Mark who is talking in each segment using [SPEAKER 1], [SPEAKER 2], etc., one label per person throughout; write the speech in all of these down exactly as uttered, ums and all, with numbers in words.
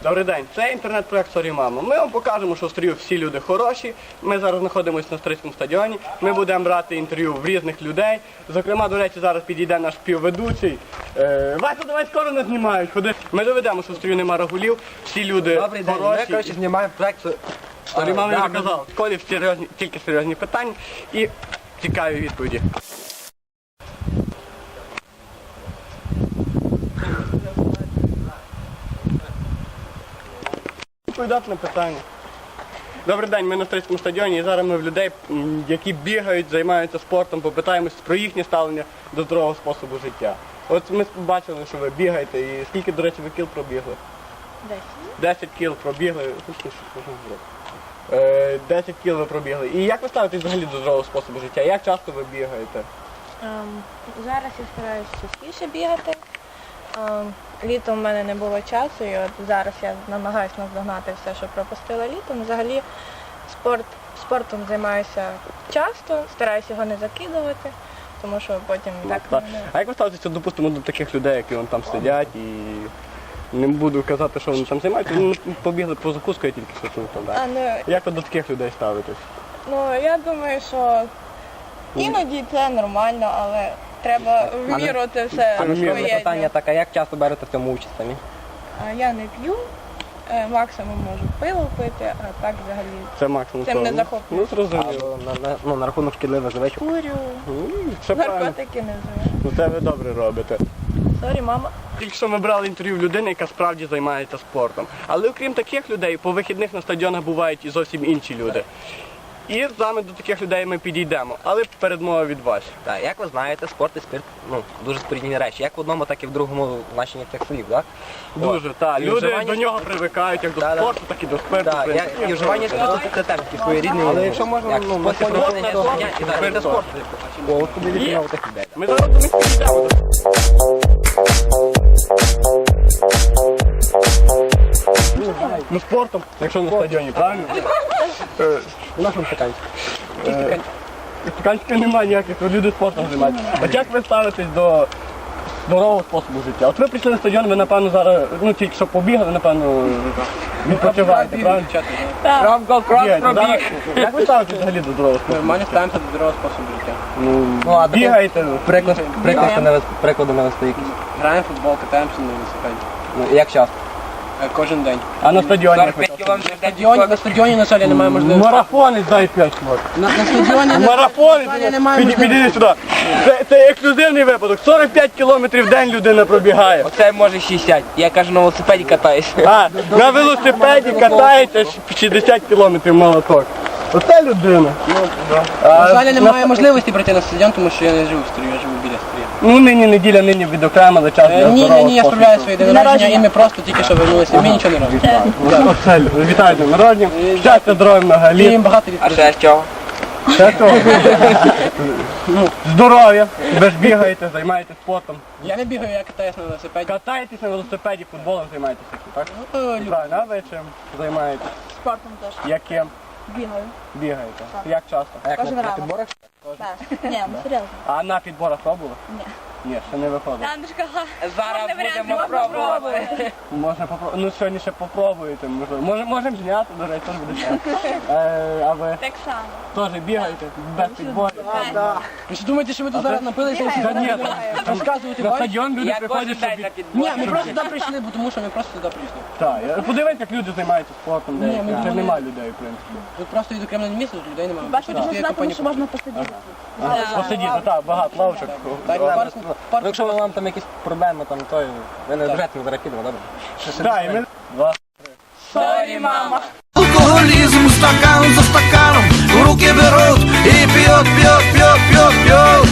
[SPEAKER 1] Добрий день, це інтернет-проект «Сорі, мамо». Ми вам покажемо, що в Стрію всі люди хороші. Ми зараз знаходимося на Стрийському стадіоні. Ми будемо брати інтерв'ю в різних людей. Зокрема, до речі, зараз підійде наш співведучий. Е, Вася, давай скоро нас знімають. Ходи. Ми доведемо, що в Стрію нема рагулів, всі люди
[SPEAKER 2] Добрий день,
[SPEAKER 1] хороші.
[SPEAKER 2] ми, коротше, знімаємо проект
[SPEAKER 1] «Сорі, мамо», я
[SPEAKER 2] да,
[SPEAKER 1] вже казав. В школі серйозні, тільки серйозні питання і цікаві відповіді. Відповідати на питання. Добрий день, ми на Стрийському стадіоні і зараз ми в людей, м, які бігають, займаються спортом, попитаємось про їхнє ставлення до здорового способу життя. От ми бачили, що ви бігаєте і скільки, до речі, ви кіл пробігли?
[SPEAKER 3] Десять.
[SPEAKER 1] Десять кіл пробігли. Е, Десять кіл ви пробігли. І як ви ставитесь взагалі до здорового способу життя? Як часто ви бігаєте?
[SPEAKER 3] Ем, зараз я стараюся частіше бігати. Ем, літом в мене не було часу, і от зараз я намагаюся наздогнати все, що пропустила літом. Взагалі спорт, спортом займаюся часто, стараюся його не закидувати, тому що потім так
[SPEAKER 1] Так.
[SPEAKER 3] не...
[SPEAKER 1] А як ви ставитеся, допустимо, до таких людей, які вон там сидять і не буду казати, що вони там займаються, вони побігли по закуску, я тільки що чув там.
[SPEAKER 3] А, ну,
[SPEAKER 1] Як ви до таких людей ставитесь?
[SPEAKER 3] ну, я думаю, що іноді це нормально, але треба вмірувати все
[SPEAKER 2] А
[SPEAKER 1] ну,
[SPEAKER 2] наступне
[SPEAKER 3] своє.
[SPEAKER 2] питання таке, як часто берете в цьому участь самі?
[SPEAKER 3] А я не п'ю, е, максимум можу пиво пити, а так взагалі
[SPEAKER 1] Це максимум.
[SPEAKER 3] Цим не
[SPEAKER 1] того.
[SPEAKER 3] захоплююсь.
[SPEAKER 1] Ну, зрозуміло.
[SPEAKER 2] Або на, на, ну, на рахунок шкідливих звичок?
[SPEAKER 3] курю,
[SPEAKER 1] М, Все правильно.
[SPEAKER 3] наркотики не вживаю.
[SPEAKER 1] Ну це ви добре робите.
[SPEAKER 3] Сорі, мама.
[SPEAKER 1] Тільки що ми брали інтерв'ю в людини, яка справді займається спортом. Але окрім таких людей, по вихідних на стадіонах бувають і зовсім інші люди. І саме до таких людей ми підійдемо. Але передмова від вас.
[SPEAKER 2] Так, як ви знаєте, спорт і спирт, ну, дуже спорідні речі. Як в одному, так і в другому значенні цих слів, так?
[SPEAKER 1] Дуже, так.
[SPEAKER 2] І
[SPEAKER 1] Люди
[SPEAKER 2] вживання-
[SPEAKER 1] до нього привикають, як до
[SPEAKER 2] Да, да.
[SPEAKER 1] спорту, так і до спирту.
[SPEAKER 2] Так,
[SPEAKER 1] в принципі.
[SPEAKER 2] і вживання спирту це теж такий своєрідний,
[SPEAKER 1] Але якщо можна,
[SPEAKER 2] як
[SPEAKER 1] ну, на
[SPEAKER 2] спосіб
[SPEAKER 1] фоні
[SPEAKER 2] проведення
[SPEAKER 1] спорту,
[SPEAKER 2] життя, і
[SPEAKER 1] то
[SPEAKER 2] так, це
[SPEAKER 1] спирт
[SPEAKER 2] спорт. О, от куди
[SPEAKER 1] Є.
[SPEAKER 2] відмінав таких людей.
[SPEAKER 1] Ми зараз до них підійдемо. Ну спортом, якщо на стадіоні, правильно? Е,
[SPEAKER 2] У нашому стаканці.
[SPEAKER 1] Стаканчика немає ніяких, то люди спортом займаються. От як ви ставитесь до здорового способу життя? От ви прийшли на стадіон, ви напевно зараз, ну тільки що побігали, напевно, відпочиваєте, правильно?
[SPEAKER 2] Ромко, крос
[SPEAKER 1] Бігаєте,
[SPEAKER 2] пробіг.
[SPEAKER 1] зараз- Як ви ставитесь взагалі до здорового способу?
[SPEAKER 4] Нормально ставимося до здорового способу життя.
[SPEAKER 2] Ну, а такий
[SPEAKER 1] Бігаєте?
[SPEAKER 2] приклад, приклад навести, приклади навести якісь.
[SPEAKER 4] Граємо в футбол, катаємося на велосипеді.
[SPEAKER 2] Ну, як часто?
[SPEAKER 4] Е, Кожен день.
[SPEAKER 1] А на стадіоні? як ви
[SPEAKER 2] сорок п'ять кілометрів в день.
[SPEAKER 4] На стадіоні, на жаль, немає можливості.
[SPEAKER 1] Марафонець дай п'ять хвилин.
[SPEAKER 4] На, на стадіоні на
[SPEAKER 1] Марафонець!
[SPEAKER 4] жаль, немає
[SPEAKER 1] Піді-
[SPEAKER 4] можливості.
[SPEAKER 1] Підійди сюди. Це, це ексклюзивний випадок. сорок п'ять кілометрів в день людина пробігає.
[SPEAKER 2] Оце може шістдесят. Я кажу, на велосипеді катаюсь.
[SPEAKER 1] А, на велосипеді катається шістдесят кілометрів молоток. Оце людина.
[SPEAKER 4] На жаль, немає можливості прийти на стадіон, тому що я не живу в Стрію, я живу біля Стрію.
[SPEAKER 1] Ну нині неділя, нині відокремили час
[SPEAKER 4] Е,
[SPEAKER 1] для
[SPEAKER 4] Ні, ні,
[SPEAKER 1] здорового
[SPEAKER 4] ні, я
[SPEAKER 1] способу.
[SPEAKER 4] справляю своє день народження, і ми просто тільки що вернулися, ми нічого не робимо.
[SPEAKER 1] Оце, вітаю з днем народження. Щастя, здоров'я, много
[SPEAKER 4] І
[SPEAKER 1] літ.
[SPEAKER 4] їм багато
[SPEAKER 2] А
[SPEAKER 4] відповідей.
[SPEAKER 2] ще чого?
[SPEAKER 1] Ще того. Ну, здоров'я. Ви ж бігаєте, займаєтесь спортом.
[SPEAKER 4] Я не бігаю, я катаюсь на велосипеді.
[SPEAKER 1] Катаєтесь на велосипеді, футболом займаєтеся, так?
[SPEAKER 4] Ну, то люблю.
[SPEAKER 1] Правильно, а ви чим займаєтесь?
[SPEAKER 3] Спортом теж
[SPEAKER 1] Яким?
[SPEAKER 3] бігаю.
[SPEAKER 1] Бігаєте? Як часто?
[SPEAKER 2] А як
[SPEAKER 3] Кожен
[SPEAKER 2] на, на
[SPEAKER 3] ранок.
[SPEAKER 2] підборах?
[SPEAKER 3] Так. Ні, ну серйозно.
[SPEAKER 1] А на підборах пробували?
[SPEAKER 3] Ні.
[SPEAKER 1] Ні, ще не виходить.
[SPEAKER 3] Андрюшка,
[SPEAKER 2] Зараз будемо
[SPEAKER 3] можна
[SPEAKER 2] пробувати.
[SPEAKER 3] пробувати.
[SPEAKER 1] Можна попробувати. Ну сьогодні ще попробуєте, можливо. Може, можемо зняти, до речі, теж буде ще. Е, а ви
[SPEAKER 3] Так само.
[SPEAKER 1] теж бігаєте без підборів?
[SPEAKER 4] Ви що думаєте, що ми тут зараз напилися і всі
[SPEAKER 1] Та ні,
[SPEAKER 4] розказувати
[SPEAKER 1] на
[SPEAKER 4] вам?
[SPEAKER 1] стадіон люди
[SPEAKER 2] Я
[SPEAKER 1] приходять,
[SPEAKER 2] кожен
[SPEAKER 1] щоб...
[SPEAKER 2] день на
[SPEAKER 4] Ні,
[SPEAKER 2] підборах.
[SPEAKER 4] ми просто сюди прийшли, бо тому що ми просто сюди прийшли.
[SPEAKER 1] Так, я- подивись, як люди займаються спортом, деякі.
[SPEAKER 4] ми
[SPEAKER 1] Це
[SPEAKER 4] думали-
[SPEAKER 1] немає людей, в принципі.
[SPEAKER 4] Тут просто відокремлене місце, тут людей немає.
[SPEAKER 3] Бачите,
[SPEAKER 4] Хочеш,
[SPEAKER 3] можна
[SPEAKER 4] є
[SPEAKER 3] знати,
[SPEAKER 4] компанія
[SPEAKER 3] що можна посидіти.
[SPEAKER 1] Ага, посидіти, так, багато лавочок.
[SPEAKER 4] Так,
[SPEAKER 1] Добре.
[SPEAKER 4] парку,
[SPEAKER 2] Ну,
[SPEAKER 4] парку.
[SPEAKER 2] якщо вам там якісь проблеми, там, то ви не ображайте, не зарахідемо, добре?
[SPEAKER 1] Так, і ми... Два.
[SPEAKER 3] Сорі, мама.
[SPEAKER 5] Алкоголизм стакан за стаканом в руки берут и пьет, пьет, пьет, пьет, пьет.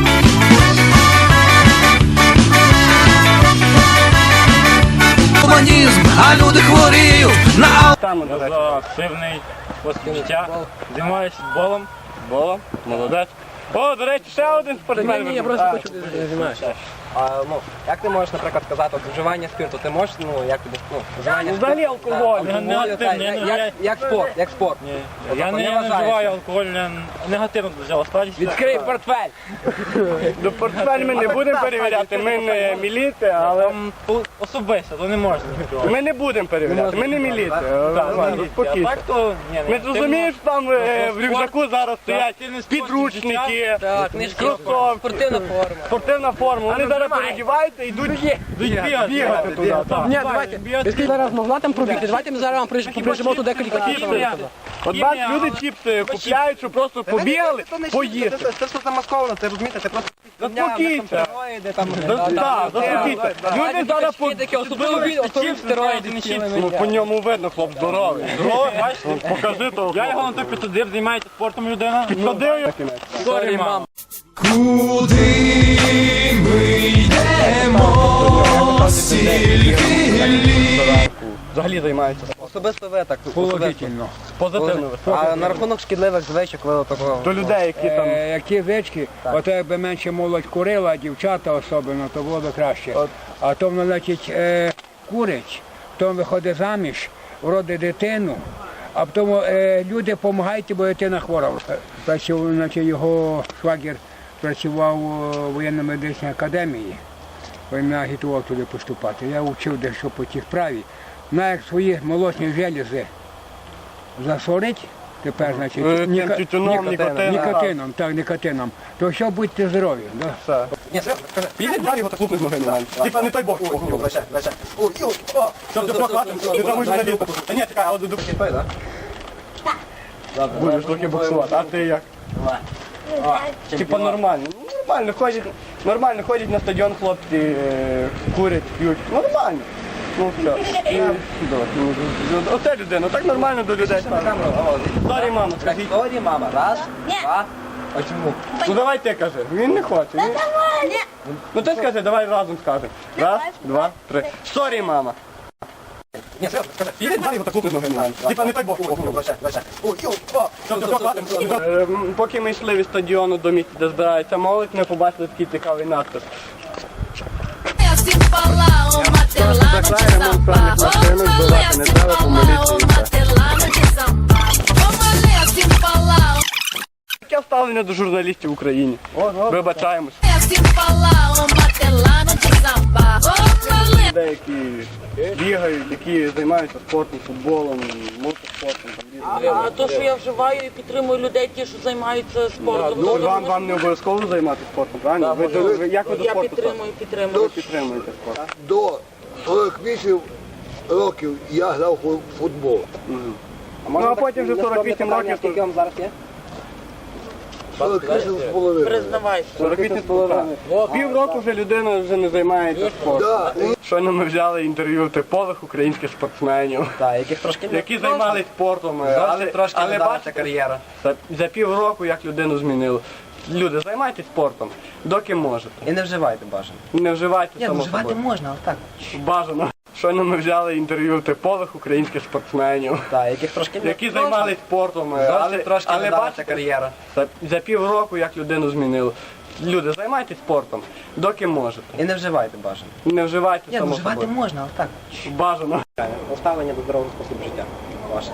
[SPEAKER 5] Гуманизм, а люди хворіють на ал...
[SPEAKER 1] Там, до речі. Активний спосіб життя. Займаюся футболом. Футболом, молодець. О, до речі, ще один спортсмен.
[SPEAKER 4] Ні, ні, я просто хочу знімати.
[SPEAKER 2] А, ну, як ти можеш, наприклад, сказати, от вживання спирту, ти можеш, ну, як тобі, ну, вживання
[SPEAKER 1] Взагалі
[SPEAKER 2] спирту?
[SPEAKER 1] алкоголь.
[SPEAKER 2] Так,
[SPEAKER 6] Не-
[SPEAKER 2] алкоголю,
[SPEAKER 6] негативно,
[SPEAKER 2] так,
[SPEAKER 6] не-
[SPEAKER 2] як,
[SPEAKER 6] я-
[SPEAKER 2] як спорт, як спорт.
[SPEAKER 6] Ні.
[SPEAKER 2] От,
[SPEAKER 6] Я
[SPEAKER 2] тобто,
[SPEAKER 6] не, я не
[SPEAKER 2] вважаєш?
[SPEAKER 6] вживаю алкоголь, я негативно до цього ставлюся.
[SPEAKER 2] Відкрий портфель!
[SPEAKER 1] До портфель ми не будемо перевіряти, ми не міліти, але
[SPEAKER 6] Там по- особисто, то не можна відкривати.
[SPEAKER 1] ми не будемо перевіряти, ми не міліти.
[SPEAKER 6] Так,
[SPEAKER 1] Ладно,
[SPEAKER 6] не А
[SPEAKER 1] спокійно.
[SPEAKER 6] так то, ні,
[SPEAKER 1] Ми
[SPEAKER 6] ні,
[SPEAKER 1] зрозумієш, там е, в рюкзаку зараз стоять
[SPEAKER 6] активний спорт,
[SPEAKER 1] підручники,
[SPEAKER 2] Так, книжки,
[SPEAKER 1] кросовки,
[SPEAKER 2] спортивна форма.
[SPEAKER 1] спортивна форма. Вони зараз переодіваються і йдуть
[SPEAKER 6] бігати,
[SPEAKER 1] бігати туди. так.
[SPEAKER 4] Ні, давайте. Ви скільки зараз могла там пробігти? Давайте ми зараз вам приж- поприжимо туди кілька
[SPEAKER 6] Хімія.
[SPEAKER 4] кілометрів.
[SPEAKER 1] От бачиш, люди чіпси купляють, щоб просто побігали, поїсти.
[SPEAKER 2] Це все замасковано, це розумієте, це просто
[SPEAKER 1] Заспокійся.
[SPEAKER 2] стероїди там.
[SPEAKER 1] Так, заспокійся. Люди зараз по...
[SPEAKER 2] таке, особливо від особливо стероїди, не чіпси.
[SPEAKER 1] Ну, по ньому видно, хлоп здоровий.
[SPEAKER 6] Здорово, бачите?
[SPEAKER 1] Покажи того.
[SPEAKER 6] Я його на той підсадив, займається спортом людина.
[SPEAKER 1] Підсадив його.
[SPEAKER 6] Сорі, мам.
[SPEAKER 5] Куди ми йдемо, стільки
[SPEAKER 1] Взагалі займаються
[SPEAKER 2] Особисто ви так.
[SPEAKER 7] Положительно.
[SPEAKER 1] позитивно.
[SPEAKER 2] А на рахунок шкідливих звичок ви такого.
[SPEAKER 1] До людей, які там...
[SPEAKER 7] Е, які звички, ото якби менше молодь курила, а дівчата особливо, то було б краще.
[SPEAKER 1] От.
[SPEAKER 7] А то воно, значить, е, курить, потім виходить заміж, родить дитину, а потім е, люди допомагають, бо дитина хвора. Е, Працював, значить, його швагір працював у воєнно-медичній академії, він мене агітував туди поступати. Я вчив дещо по тій справі. На як свої молочні желізи засорить, тепер, значить,
[SPEAKER 1] Е, тим
[SPEAKER 7] ніка-
[SPEAKER 1] тютюном, нікотином.
[SPEAKER 7] Нікотином, так, нікотином. То що будьте здорові. Да?
[SPEAKER 1] Все. Піди далі його так лупнуть ноги на мене. Типа не той бок. Лише, лише. Ой, ой, о. Щоб ти прохватив, не травмуєш на ліпу. Та ні, така, але до той, так? Будеш трохи боксувати, а ти як? Типа нормально. Ну, нормально ходять, нормально ходять на стадіон хлопці, е, курять, п'ють. Нормально. Ну все. І, добре, ну, Оце людина, так нормально до людей. Сорі, мама, скажіть.
[SPEAKER 2] Сорі, мама. Раз, два. А чому?
[SPEAKER 1] Ну давай ти кажи. Він не хоче. Він... Ну ти скажи, давай разом скажемо. Раз, два, три. Сорі, мама. Ні, скажи, піди далі його так лупнуть ноги на мене. Типа не той бок. Лише, лише. Ой, ой, о. Щоб ти прохватив. Ем, Поки ми йшли від стадіону до місця, де збирається молодь, ми побачили такий цікавий надпис.
[SPEAKER 8] Assim falar, o martelado de samba. Vamos ler assim falar, o martelado de samba. Vamos ler assim falar,
[SPEAKER 1] Таке ставлення до журналістів в Україні. Вибачаємось.
[SPEAKER 8] assim falar, o martelado de samba. Vamos ler.
[SPEAKER 1] Людей, які бігають, які займаються спортом, футболом, мотоспортом. Там, різними.
[SPEAKER 9] А то, що я вживаю і підтримую людей, ті, що займаються спортом,
[SPEAKER 1] Ну,
[SPEAKER 9] то
[SPEAKER 1] вам, вам не обов'язково займатися спортом, правильно? Ви, до- ви- як ви до
[SPEAKER 9] я
[SPEAKER 1] спорту
[SPEAKER 9] підтримую,
[SPEAKER 1] ставитесь?
[SPEAKER 9] підтримую.
[SPEAKER 1] Ви підтримуєте спорт.
[SPEAKER 10] До сорок вісім років я грав у футбол.
[SPEAKER 1] Ну, а потім вже сорок вісім років,
[SPEAKER 2] Скільки
[SPEAKER 1] то
[SPEAKER 2] вам зараз є?
[SPEAKER 10] сорок вісім з половиною.
[SPEAKER 9] Признавайся.
[SPEAKER 1] сорок вісім з половиною. Пів року вже людина вже не займається спортом.
[SPEAKER 10] Да, і
[SPEAKER 1] Щойно ми взяли інтерв'ю типових українських спортсменів,
[SPEAKER 2] Так, яких трошки не
[SPEAKER 1] які займалися спортом, але,
[SPEAKER 2] Зовсім трошки
[SPEAKER 1] але
[SPEAKER 2] не вдалася
[SPEAKER 1] бачите,
[SPEAKER 2] кар'єра.
[SPEAKER 1] за, за пів року як людину змінило. Люди, займайтесь спортом, доки можете.
[SPEAKER 2] І не вживайте бажано.
[SPEAKER 1] Не вживайте
[SPEAKER 2] Ні, ну
[SPEAKER 1] само
[SPEAKER 2] вживати
[SPEAKER 1] собою.
[SPEAKER 2] можна, але так.
[SPEAKER 1] Бажано. Щойно ми взяли інтерв'ю типових українських спортсменів,
[SPEAKER 2] Так, яких трошки не
[SPEAKER 1] які займалися спортом,
[SPEAKER 2] Зовсім
[SPEAKER 1] але,
[SPEAKER 2] трошки
[SPEAKER 1] але
[SPEAKER 2] не вдалася
[SPEAKER 1] бачите,
[SPEAKER 2] кар'єра.
[SPEAKER 1] за, за пів року як людину змінило. Люди, займайтесь спортом, доки можете.
[SPEAKER 2] І не вживайте бажано.
[SPEAKER 1] Не вживайте
[SPEAKER 2] Ні, ну
[SPEAKER 1] само
[SPEAKER 2] вживати
[SPEAKER 1] собою.
[SPEAKER 2] можна, але так.
[SPEAKER 1] Бажано.
[SPEAKER 2] Ставлення до здорового способу життя. Ваше.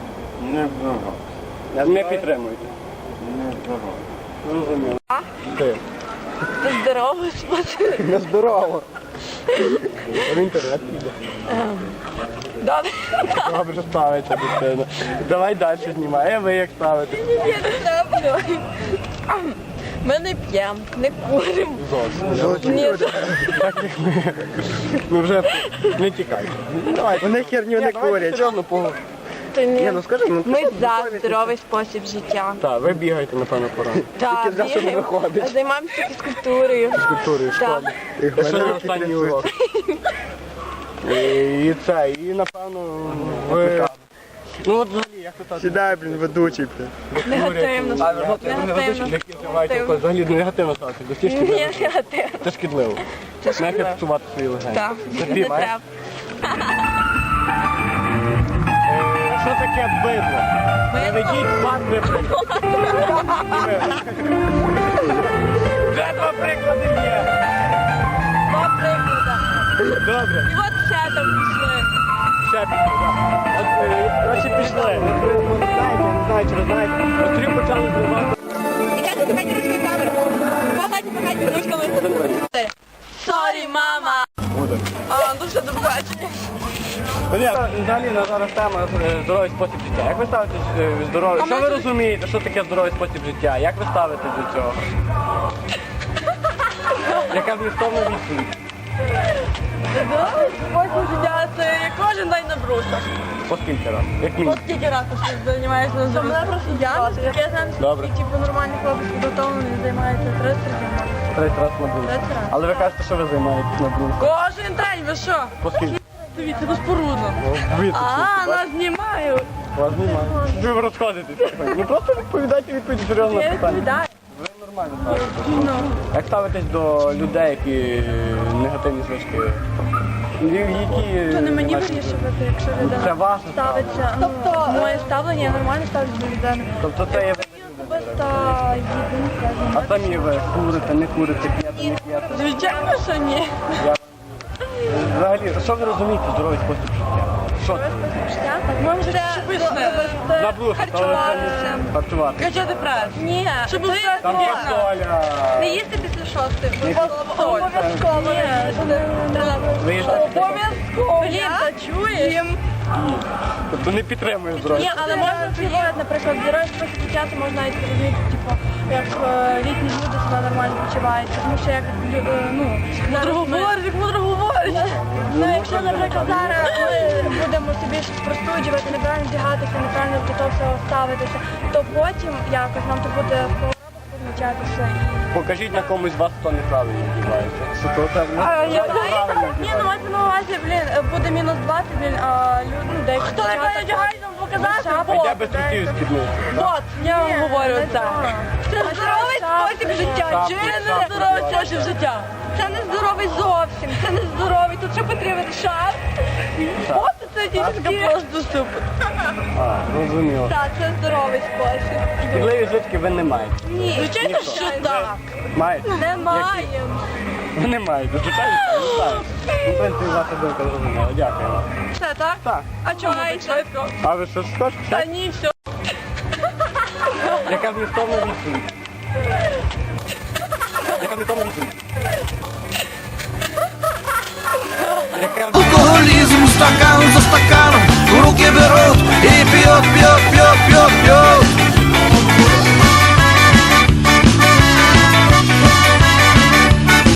[SPEAKER 1] Не підтримуйте. Зрозуміло. Ти.
[SPEAKER 3] Здоровий спосіб.
[SPEAKER 1] Нездорово. В інтернет піде.
[SPEAKER 3] Добре.
[SPEAKER 1] Добре ставиться дитина. Давай далі знімай, а ви як ставите?
[SPEAKER 3] Я не знаю. Ми не п'ємо, не куримо. Ні,
[SPEAKER 1] Ну вже не тікай. Давай. Вони херню не курять. Серйозно поговоримо.
[SPEAKER 3] то ні.
[SPEAKER 1] ну скажи, ну
[SPEAKER 3] Ми за здоровий спосіб життя.
[SPEAKER 1] Так, ви бігаєте, напевно, пора.
[SPEAKER 3] Так, бігаємо, займаємося фізкультурою.
[SPEAKER 1] Фізкультурою в школі.
[SPEAKER 3] Так.
[SPEAKER 1] Сьогодні останній урок. І і це, і напевно ви... Ну от взагалі, як ви так? Сідай, блін, ведучий, блін.
[SPEAKER 3] Негативно. Негативно.
[SPEAKER 1] Які вживають алкоголь, взагалі негативно ставити до стіжки.
[SPEAKER 3] Ні, негативно.
[SPEAKER 1] Це шкідливо. Не фіксувати свої легені.
[SPEAKER 3] Так,
[SPEAKER 1] Це
[SPEAKER 3] не
[SPEAKER 1] пів,
[SPEAKER 3] треба.
[SPEAKER 1] Е, Що таке бидло? Не ведіть вас приклад. Вже два приклади є. Добре.
[SPEAKER 3] І от ще там пішли.
[SPEAKER 1] Ще пішли, так. От, е, коротше, пішли. Ви ви не знаєте, я не знаю, чи ви знаєте. Острів почали зривати.
[SPEAKER 3] Сорі, мама! А, ну все, до побачення.
[SPEAKER 1] Взагалі на зараз тема е, здоровий спосіб життя. Як ви ставитесь е, здоровий? Що ви розумієте, що таке здоровий спосіб життя? Як ви ставитесь до цього? Яка змістовна відповідь?
[SPEAKER 3] Здоровий спосіб життя – це як кожен день на брусах.
[SPEAKER 1] По скільки раз? Як мінімум?
[SPEAKER 3] От скільки разів ти займаєшся на здоров'я? Мене просто я, я знаю,
[SPEAKER 1] Добре.
[SPEAKER 3] що типу, нормальний хлопець підготовлений, займається тридцять разів.
[SPEAKER 1] Тридцять раз на брус.
[SPEAKER 3] Тридцять раз.
[SPEAKER 1] Але ви кажете, що ви займаєтесь на брус.
[SPEAKER 3] Кожен день, ви що?
[SPEAKER 1] По скільки?
[SPEAKER 3] Дивіться, безпорудно.
[SPEAKER 1] Ви
[SPEAKER 3] А, нас знімають.
[SPEAKER 1] Вас немає. Ви розходитесь. Ну просто відповідайте відповідь серйозно на
[SPEAKER 3] Я
[SPEAKER 1] питання.
[SPEAKER 3] відповідаю.
[SPEAKER 1] Ви нормально ставитесь.
[SPEAKER 3] Ну.
[SPEAKER 1] Як ставитесь до людей, які е, негативні звички? Які...
[SPEAKER 3] То не мені
[SPEAKER 1] ваші-
[SPEAKER 3] вирішувати, якщо
[SPEAKER 1] Це
[SPEAKER 3] людина
[SPEAKER 1] ваше
[SPEAKER 3] ставиться. Тобто моє ставлення, я нормально ставлюсь до людини.
[SPEAKER 1] Тобто це є...
[SPEAKER 3] Особисто їду,
[SPEAKER 1] А самі ви курите, не курите, п'єте, не п'єте.
[SPEAKER 3] звичайно, що ні.
[SPEAKER 1] Взагалі, що ви розумієте здоровий спосіб життя? Що це?
[SPEAKER 3] Життя, так може це
[SPEAKER 1] На брусах, але це не харчувати.
[SPEAKER 3] Качати прес. Ні, щоб
[SPEAKER 1] Там фасоля.
[SPEAKER 3] не їсти після шостої.
[SPEAKER 1] Не
[SPEAKER 3] Обов'язково. Ні,
[SPEAKER 1] Ви їсте після
[SPEAKER 3] обов'язково. Блін, та чуєш?
[SPEAKER 1] Тобто не підтримує здоров'я.
[SPEAKER 3] Ні, але можна впливати, наприклад, здоровий спосіб життя, то можна навіть розуміти, типу, як е, літні люди себе нормально почувають. Тому що як, лю- е, ну, зараз ми... як мудро говориш. Ну, якщо, наприклад, зараз ми будемо собі щось простуджувати, неправильно вдягатися, неправильно до того всього ставитися, то потім якось нам то буде в хворобах позначатися.
[SPEAKER 1] Покажіть на комусь з вас, хто неправильно вдівається. Що то це не
[SPEAKER 3] А, я
[SPEAKER 1] правильно
[SPEAKER 3] Ні, ну мати на увазі, блін, буде мінус двадцять, блін, а люди, ну, деякі Хто не одягається, нам показати?
[SPEAKER 1] А я без хотів спідниці.
[SPEAKER 3] От, я вам говорю це. Це здоровий спосіб життя.
[SPEAKER 1] Шапку,
[SPEAKER 3] Чи не
[SPEAKER 1] шапку,
[SPEAKER 3] здоровий
[SPEAKER 1] шапку.
[SPEAKER 3] спосіб життя? Це не здоровий зовсім, це не здоровий. Тут що потрібен шар? От це дівчинка просто супер.
[SPEAKER 1] А, розуміло.
[SPEAKER 3] Так, це здоровий спосіб.
[SPEAKER 1] Шкідливі звички ви не маєте.
[SPEAKER 3] Ні, звичайно, що так.
[SPEAKER 1] Маєте?
[SPEAKER 3] Не маємо.
[SPEAKER 1] Ви не маєте. Звичайно, не знаю. Ну, в принципі, ваша думка зрозуміла. Дякую вам.
[SPEAKER 3] Все, так?
[SPEAKER 1] Так.
[SPEAKER 3] А чому так швидко?
[SPEAKER 1] А ви щось скажете?
[SPEAKER 3] Та ні, все.
[SPEAKER 1] Яка змістовна відповідь? Яка змістовна відповідь? Яка
[SPEAKER 5] Алкоголизм стакан за стаканом в руки берут и пьет, пьет,